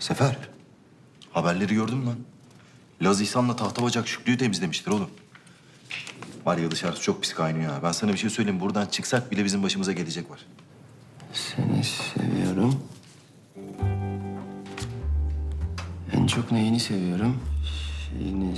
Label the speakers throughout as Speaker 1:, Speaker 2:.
Speaker 1: Sefer, haberleri gördün mü lan? Laz İhsan'la Tahtabacak Şükrü'yü temizlemiştir oğlum. Var ya dışarısı çok pis kaynıyor ha. Ben sana bir şey söyleyeyim. Buradan çıksak bile bizim başımıza gelecek var.
Speaker 2: Seni seviyorum. En çok neyini seviyorum? Şeyini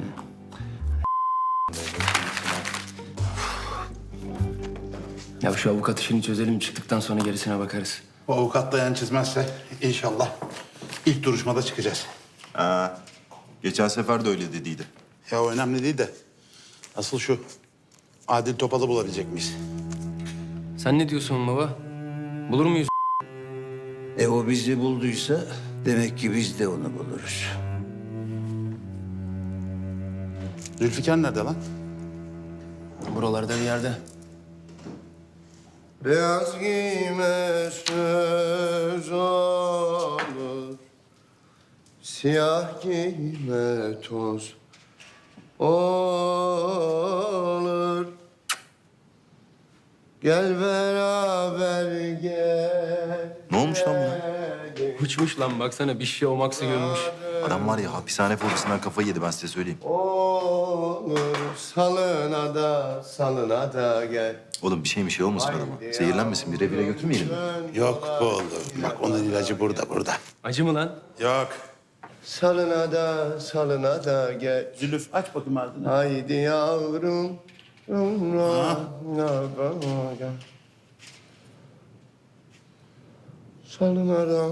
Speaker 2: Ya şu avukat işini çözelim, çıktıktan sonra gerisine bakarız.
Speaker 3: O avukat da yan çizmezse inşallah ilk duruşmada çıkacağız.
Speaker 1: Geçen sefer de öyle dediydi.
Speaker 3: Ya o önemli değil de asıl şu Adil Topal'ı bulabilecek miyiz?
Speaker 2: Sen ne diyorsun baba? Bulur muyuz?
Speaker 4: O bizi bulduysa demek ki biz de onu buluruz.
Speaker 3: Zülfikar nerede lan?
Speaker 2: Buralarda bir yerde.
Speaker 4: Beyaz giyme söz olur, siyah giyme toz olur. Gel beraber gel.
Speaker 1: Ne olmuş lan buna?
Speaker 2: Uçmuş lan, baksana bir şey olmaksa görmüş.
Speaker 1: Adam var ya hapishane fobisinden kafayı yedi ben size söyleyeyim.
Speaker 4: Olur salına da gel.
Speaker 1: Oğlum bir şey olmasın adama. Zehirlenmesin, bir revire götürmeyelim mi?
Speaker 3: Yok bu oğlum. Bak onun ilacı burada.
Speaker 2: Acı mı lan?
Speaker 3: Yok.
Speaker 4: Salına da gel.
Speaker 3: Zülüf aç bakayım ardını.
Speaker 4: Haydi yavrum. Salına da.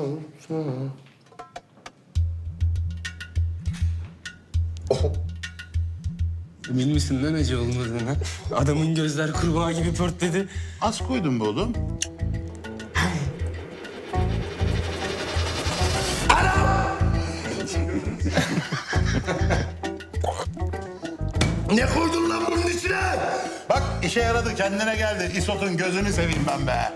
Speaker 2: Emin misin lan acı olmadığına? Adamın gözler kurbağa gibi pörtledi.
Speaker 3: Az koydun bu oğlum. Ne koydun lan bunun içine? Bak işe yaradı, kendine geldi. İsot'un gözünü seveyim ben be.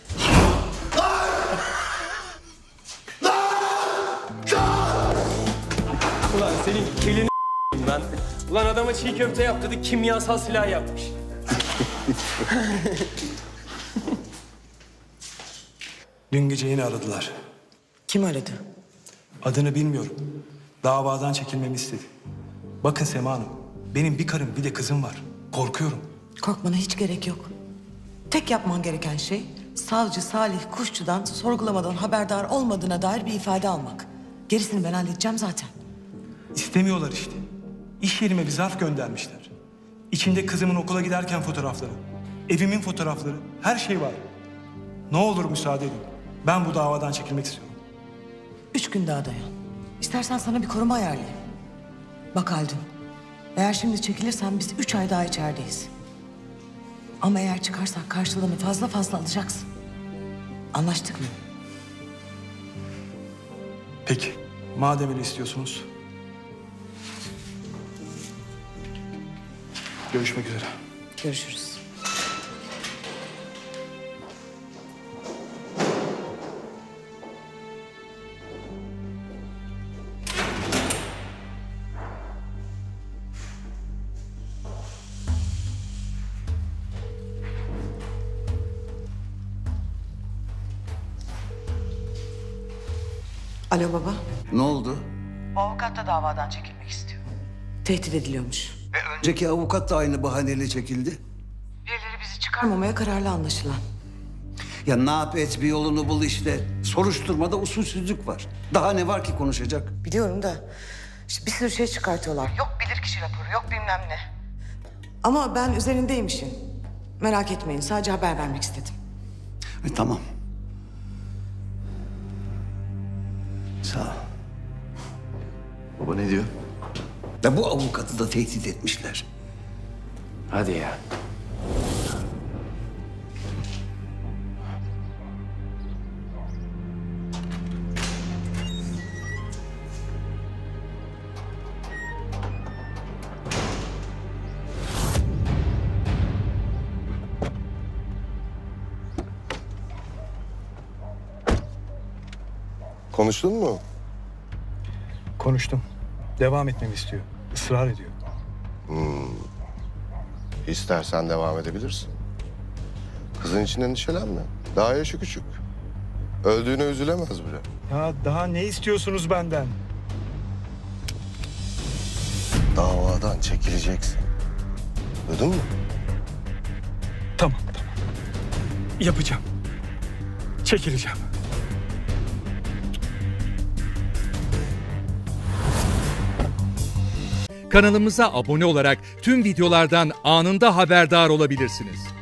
Speaker 2: Ulan senin kelini lan. Ulan adama çiğ köfte yap dedik, kimyasal silah yapmış.
Speaker 5: Dün gece yine aradılar.
Speaker 6: Kim aradı?
Speaker 5: Adını bilmiyorum. Davadan çekilmemi istedi. Bakın Sema Hanım, benim bir karım bir de kızım var. Korkuyorum.
Speaker 6: Korkmana hiç gerek yok. Tek yapman gereken şey savcı Salih Kuşçu'dan sorgulamadan haberdar olmadığına dair bir ifade almak. Gerisini ben halledeceğim zaten.
Speaker 5: İstemiyorlar işte. İş yerime bir zarf göndermişler. İçinde kızımın okula giderken fotoğrafları, evimin fotoğrafları, her şey var. Ne olur müsaade edin. Ben bu davadan çekilmek istiyorum.
Speaker 6: 3 gün daha dayan. İstersen sana bir koruma ayarlayayım. Bak Haldun, eğer şimdi çekilirsen biz 3 ay daha içerideyiz. Ama eğer çıkarsak karşılığını fazla alacaksın. Anlaştık mı?
Speaker 5: Peki, madem öyle istiyorsunuz. Görüşmek üzere.
Speaker 6: Görüşürüz. Alo baba.
Speaker 4: Ne oldu?
Speaker 6: O avukat da davadan çekilmek istiyor. Tehdit ediliyormuş.
Speaker 4: Önceki avukat da aynı bahaneyle çekildi.
Speaker 6: Birileri bizi çıkarmamaya kararlı anlaşılan.
Speaker 4: Ya ne yap et bir yolunu bul işte. Soruşturmada usulsüzlük var. Daha ne var ki konuşacak?
Speaker 6: Biliyorum da işte bir sürü şey çıkartıyorlar. Yok bilirkişi raporu, yok bilmem ne. Ama ben üzerindeyim işin. Merak etmeyin, sadece haber vermek istedim.
Speaker 4: Tamam. Sağ ol.
Speaker 1: Baba ne diyor?
Speaker 4: Ya bu avukatı da tehdit etmişler.
Speaker 2: Hadi ya.
Speaker 7: Konuştun mu?
Speaker 5: Konuştum. Devam etmemi istiyor. Israr ediyor.
Speaker 7: İstersen devam edebilirsin. Kızın için endişelenme. Daha yaşı küçük. Öldüğüne üzülemez bile.
Speaker 5: Ya daha ne istiyorsunuz benden?
Speaker 7: Davadan çekileceksin. Duydun mu?
Speaker 5: Tamam. Yapacağım. Çekileceğim.
Speaker 8: Kanalımıza abone olarak tüm videolardan anında haberdar olabilirsiniz.